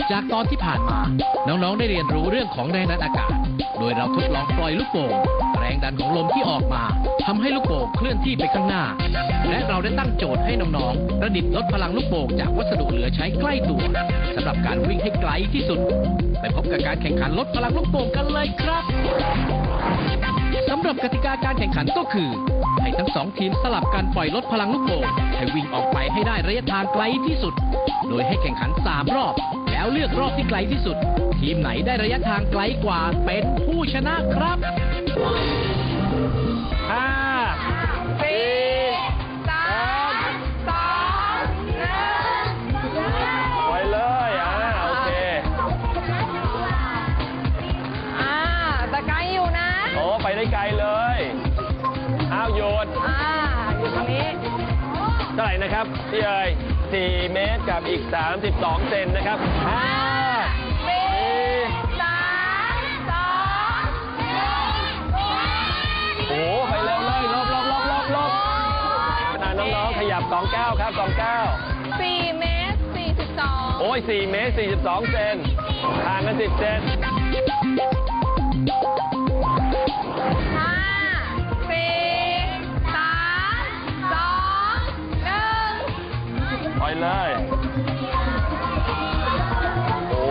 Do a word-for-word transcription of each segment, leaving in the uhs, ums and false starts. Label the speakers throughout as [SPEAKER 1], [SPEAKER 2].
[SPEAKER 1] จากตอนที่ผ่านมาน้องๆได้เรียนรู้เรื่องของแรงดันอากาศโดยเราทดลองปล่อยลูกโป่งแรงดันของลมที่ออกมาทำให้ลูกโป่งเคลื่อนที่ไปข้างหน้าและเราได้ตั้งโจทย์ให้น้องๆประดิษฐ์ลดพลังลูกโป่งจากวัสดุเหลือใช้ใกล้ตัวสำหรับการวิ่งให้ไกลที่สุดไปพบกับการแข่งขันลดพลังลูกโป่งกันเลยครับสำหรับกติกาการแข่งขันก็คือให้ทั้งสองทีมสลับกันปล่อยลดพลังลูกโป่งให้วิ่งออกไปให้ได้ระยะทางไกลที่สุดโดยให้แข่งขันสามรอบแล้วเลือกรอบที่ไกลที่สุดทีมไหนได้ระยะทางไกลกว่าเป็นผู้ชนะครับ
[SPEAKER 2] ห้าสี่สามสองหนึ่งไปเลยอ่าโอเค
[SPEAKER 3] อ่าแต่ไกลอยู่นะ
[SPEAKER 2] โอ้ไปได้ไกลเลยอ้าวหยุด
[SPEAKER 3] อ่าอยู่ตรงนี้
[SPEAKER 2] เท่าไหร่นะครับพี่เอ๋ยสี่เมตรกับอีกสามสิบสองเซนนะครับห้า
[SPEAKER 3] สี่สามสองหนึ่ง
[SPEAKER 2] โอ้ไปเร็วเลยลบลบลบลบลบน้องๆขยับสองเก้าครับสองเก้า
[SPEAKER 3] สี่เมตรสี่สิบสอง
[SPEAKER 2] โอ้ยสี่เมตรสี่สิบสองเซนห่างกันสิบเซน
[SPEAKER 3] ห้าสี่สามสองหนึ่ง
[SPEAKER 2] ไปเลยโอ้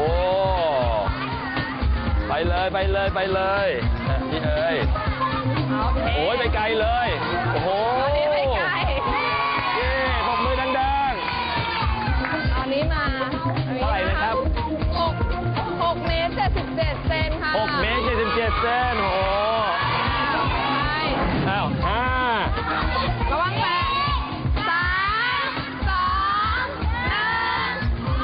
[SPEAKER 2] ไปเลยไปเลยไปเลยพี่เอ๋ยโอ้ยไปไกลเลยโอ้โห
[SPEAKER 3] ไปไกล
[SPEAKER 2] เย้ปรบมือดัง
[SPEAKER 3] ๆตอนนี้มา
[SPEAKER 2] เท่าไหร่นะครับ
[SPEAKER 3] หกหกเมตรเจ็ดสิบเจ็ดเซนค่ะ
[SPEAKER 2] หกเมตรเจ็ดสิบเจ็ดเซนโอ้อ้าวห้า
[SPEAKER 3] ระวังแตะสามสองหนึ่ง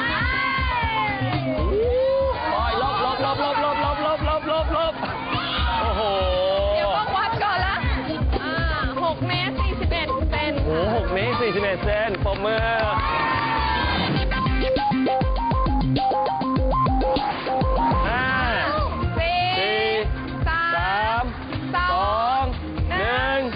[SPEAKER 2] ปล่อยลบลบลบลบลบลบลบลบลบลบโอ้โห
[SPEAKER 3] เดี๋ยวต้องวัดก่อนละอ่าหกเมตรสี่สิบเอ็ดเซน
[SPEAKER 2] โอ้หกเมตรสี่สิบเอ็ดเซนปรบมือห้า
[SPEAKER 3] สี่สามสอง
[SPEAKER 2] หนึ่ง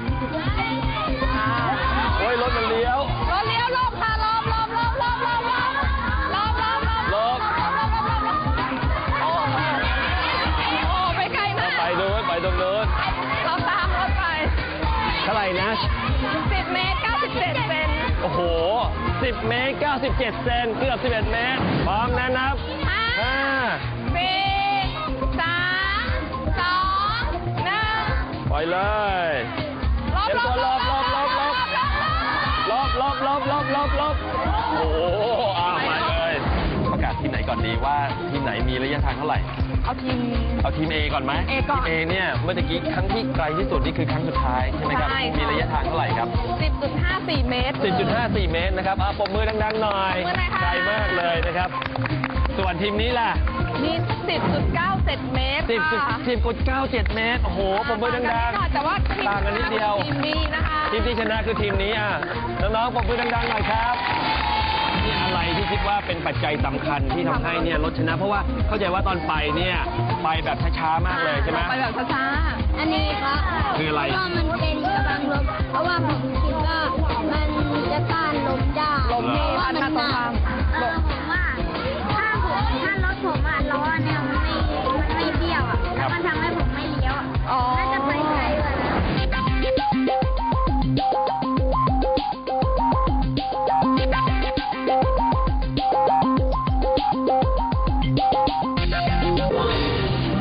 [SPEAKER 2] โอ้ยรถมันเลี้ยว
[SPEAKER 3] รถเลี้ยวลบค่ะลบลบลบลบลบลบลบลบลบลบโอ้โอ้ไปไกลมาก
[SPEAKER 2] ไปดูไปตรงนู้น
[SPEAKER 3] เราตามรถไป
[SPEAKER 2] เท่าไหร่นะ
[SPEAKER 3] สิบเมตรเก้าสิบเจ็ดเซน
[SPEAKER 2] โอ้โหสิบเมตรเก้าสิบเจ็ดเซนเกือบสิบเอ็ดเมตรพร้อมนะนับห้า
[SPEAKER 3] สี่สามสองหนึ่ง
[SPEAKER 2] ปล่อยเลย
[SPEAKER 3] ลบลบลบลบลบ
[SPEAKER 2] ลบลบลบลบลบลบโอ้โหอ้าวมาเลยประกาศทีมไหนก่อนดีว่าทีมไหนมีระยะทางเท่าไหร่
[SPEAKER 3] เอาทีม
[SPEAKER 2] เอาทีม A ก่อนไหม
[SPEAKER 3] A ก่อน
[SPEAKER 2] ทีม A เนี่ยเมื่อกี้ครั้งที่ไกลที่สุดนี่คือครั้งสุดท้ายใช่ไหมครับมีระยะทางเท่าไหร่ครับ
[SPEAKER 3] สิบจุดห้าสี่ เมตร
[SPEAKER 2] สิบจุดห้าสี่ เมตรนะครับอ่ะปรบมือดังๆหน่อยไกลมากเลยนะครับส่วนทีมนี้ล่ะ
[SPEAKER 3] มี สิบจุดเก้าเจ็ด เมตร
[SPEAKER 2] สิบจุดเก้าเจ็ด เมตรโอ้โหปรบมือดังๆ
[SPEAKER 3] แต่ว่าทีม
[SPEAKER 2] ต่างกันนิดเดียว
[SPEAKER 3] ทีมนี้นะคะ
[SPEAKER 2] ทีมที่ชนะคือทีมนี้อ่ะน้องๆปรบมือดังๆหน่อยครับนี่อะไรที่คิดว่าเป็นปัจจัยสำคัญที่ทำให้เนี่ยรถชนะเพราะว่าเข้าใจว่าตอนไปเนี่ยไปแบบช้าๆมากเลยใช่ไหม
[SPEAKER 3] ไปแบบช้า
[SPEAKER 4] อันนี้ครับ
[SPEAKER 2] คืออะไร
[SPEAKER 4] เพราะว่ามันเป็นกำลังลบเพราะว่าผม